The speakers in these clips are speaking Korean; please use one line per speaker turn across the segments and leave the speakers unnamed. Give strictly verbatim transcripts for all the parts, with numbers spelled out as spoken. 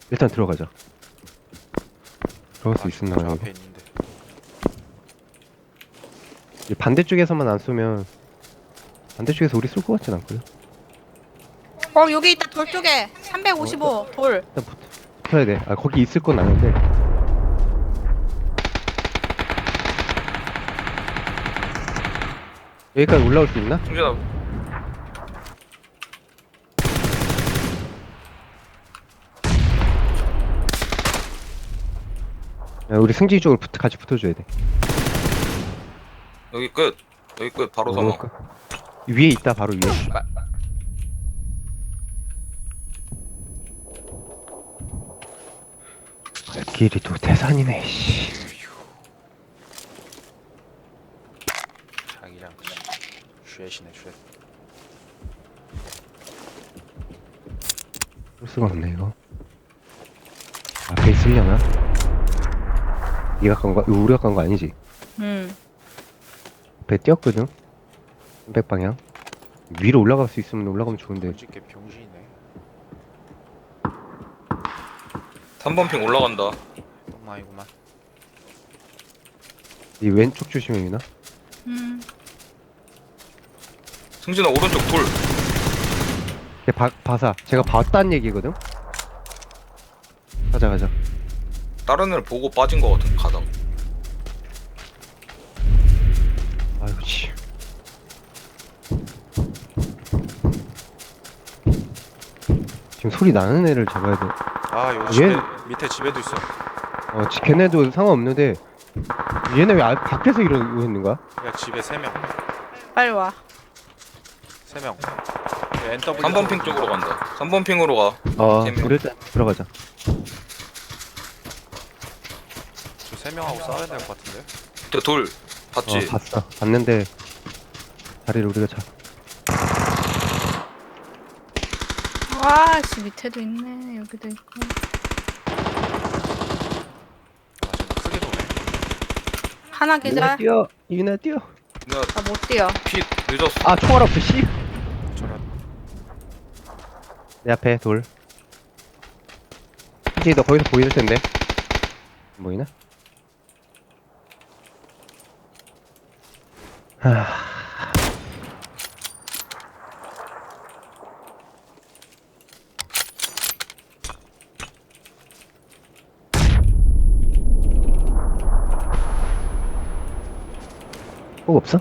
일단 들어가자. 들어갈 수 있었나
저
여기?
앞에 있는데.
이 반대쪽에서만 안 쏘면 반대쪽에서 우리 쏠 것 같진 않거든.
어 여기 있다 돌 쪽에
어,
삼백오십오 돌.
일단 붙, 붙어야 돼. 아 거기 있을 건 아는데. 여기까지 올라올 수 있나?
승준아
야, 우리 승진이 쪽으로 붙, 같이 붙어줘야 돼.
여기 끝 여기 끝 바로
어,
넘어.
그- 위에 있다 바로 위에. 길이 또 대산이네. 씨.
자기장 쉐시네 쉐.
볼 수가 없네 이거. 앞에 있으려나? 네가 간 거, 이거 우리가 간 거 아니지?
음.
배 뛰었거든? 삼백 방향. 위로 올라갈 수 있으면 올라가면 좋은데.
솔직히 병신이네.
삼 번 핑 올라간다.
똥마이구만.
이 왼쪽 조심해 유나.
음.
승준아 오른쪽 돌.
걔 바, 바사. 제가 봤다는 얘기거든? 가자 가자.
다른 애를 보고 빠진 거 같은 가다.
아이고 씨. 지금 소리 나는 애를 잡아야 돼.
아 여기
얘-
집에 밑에 집에도 있어.
어, 지- 걔네도 상관없는데 얘네 왜 아, 밖에서 이러고 있는 거야?
야 집에 세 명.
빨리 와.
세 명. 엔더블유.
삼 번 핑 쪽으로 간다. 삼 번 핑으로 가.
어,
세 명.
우리 일단 들어가자.
저세 명하고 싸워야 될 것 같은데.
저 돌 봤지?
어, 봤어. 봤는데 다리를 우리가 잡.
와씨 밑에도 있네 여기도 있고.
아 쟤는 크게 도네.
하나
유나
계좌.
뛰어. 유나 뛰어.
나
나 못 뛰어.
피 늦었어.
아 총알 없어. 씨.
저런.
내 앞에 돌. 이제 너 거기서 보이실 텐데. 안 보이나? 하... 꼭 없어?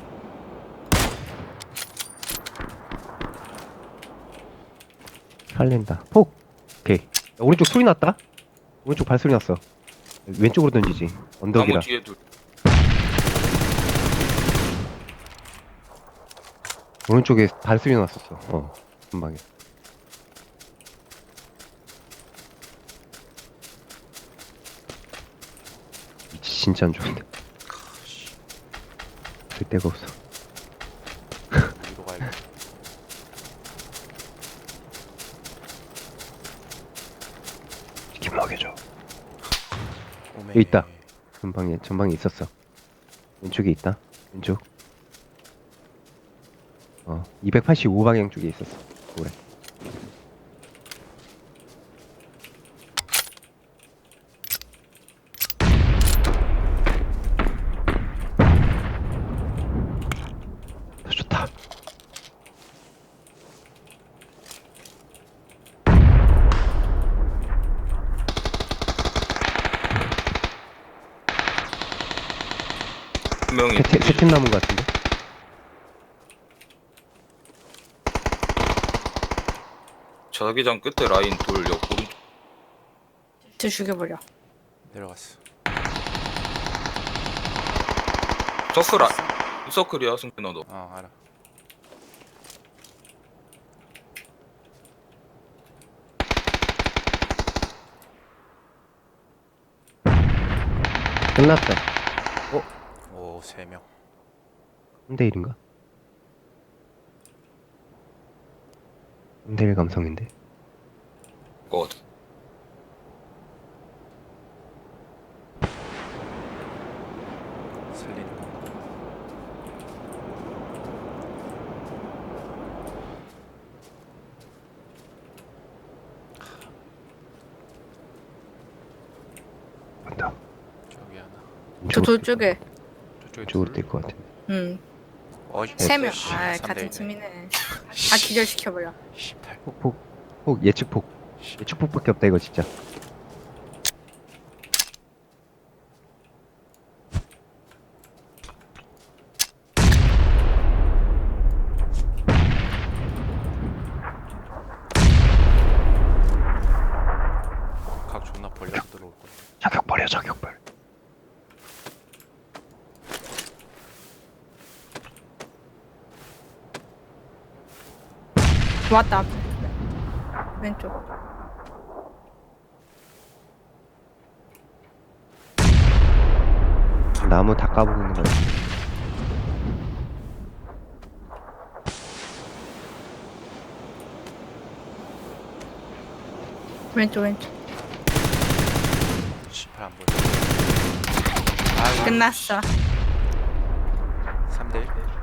살린다. 폭. 오케이. 야, 오른쪽 소리 났다. 오른쪽 발소리 났어. 왼쪽으로 던지지. 언덕이라.
나무 뒤에 둘.
오른쪽에 발소리 났었어. 어, 금방에. 위치 진짜 안 좋은데. 될 데가 없어.
위로 가야겠다.
치킨 먹여줘.
오메.
여기 있다. 전방에 전방에 있었어. 왼쪽에 있다. 왼쪽. 어, 이백팔십오 방향 쪽에 있었어. 그래. 더 좋다.
한 명이
세팀 세팀 남은 것 같은데.
자기장 끝에 라인 돌 옆 오른쪽.
쟤 죽여버려.
내려갔어.
서클 아 서클이야 승준아 너.
어 알아.
끝났다.
오 세 명.
삼 대 일인가? 삼 대 일 감성인데.
거 같아.
살리는 거.
저 돌쪽에.
저쪽에
쪽으로
둘.
뛸 것 같아.
응.
어,
세 명.
씨,
아,
삼 대
같은
일이네.
팀이네. 다 기절시켜버려.
씨발.
폭, 폭, 폭, 예측 폭. 예측 폭밖에 없다, 이거 진짜.
각 존나 벌려서 들어올 거야.
저격 버려, 저격 벌.
왔다, 앞에. 왼쪽.
나무 다 까보고 있는 거야.
왼쪽, 왼쪽.
씨발 안 보여. 아유,
끝났어.
삼 대 일.